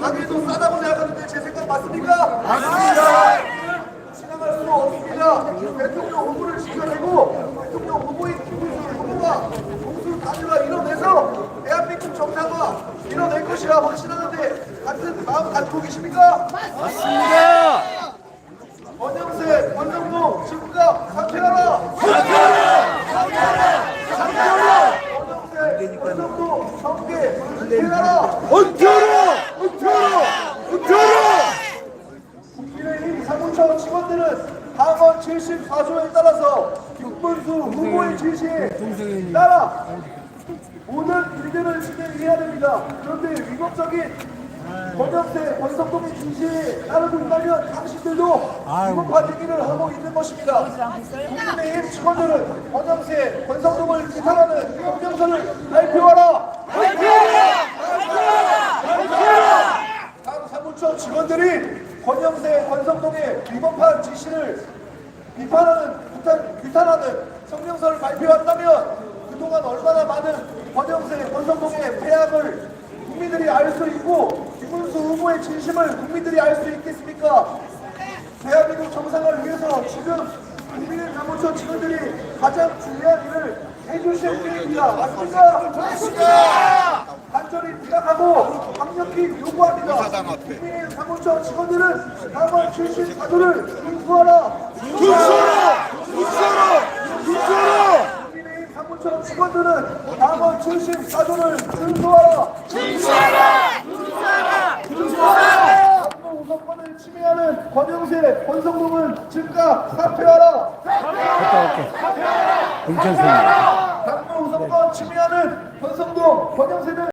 가기도 싸다고 생각하는데 제 생각 맞습니까? 맞습니다. 지나갈 수 없습니다. 대통령 후보를 지켜내고 대통령 후보인 김문수 후보가 공수 단일화 이뤄내서 대한민국 정상화 이뤄낼 것이라 확신하는데 같은 마음 갖고 계십니까? 맞습니다. 권영세, 권정동 즉각 사퇴하라! 권영세, 권정동 정계 은퇴하라! 은퇴하라! 국민의힘 사무처 직원들은 당원 74조에 따라서 김문수 후보의 지시에 따라 모든 일들을 진행해야 됩니다. 그런데 위법적인 권영세, 권성동의 지시에 따르고 있다면 당신들도 위법한 행위를 하고 있는 것입니다. 국민의힘 직원들은 권영세, 권성동을 비판하는 성명서를 발표하라! 당 사무처 직원들이 권영세, 권성동의 위법한 지시를 비판하는, 규탄하는 성명서를 발표한다면 그동안 얼마나 많은 권영세, 권성동의 폐악을 국민들이 알 수 있고 김문수 후보의 진심을 국민들이 알 수 있겠습니까? 대한민국 정상을 위해서 지금 국민의 사무처 직원들이 가장 중요한 일을 해주실 때입니다. 맞습니까? 간절히 부탁하고 강력히 요구합니다. 국민의 사무처 직원들은 당원 74조를 준수하라! 국민의힘 사무처 직원들은 당원 74조를 준수하라! 정부 우선권을 침해하는 권영세, 권성동은 즉각 사퇴하라! 괜찮습니다.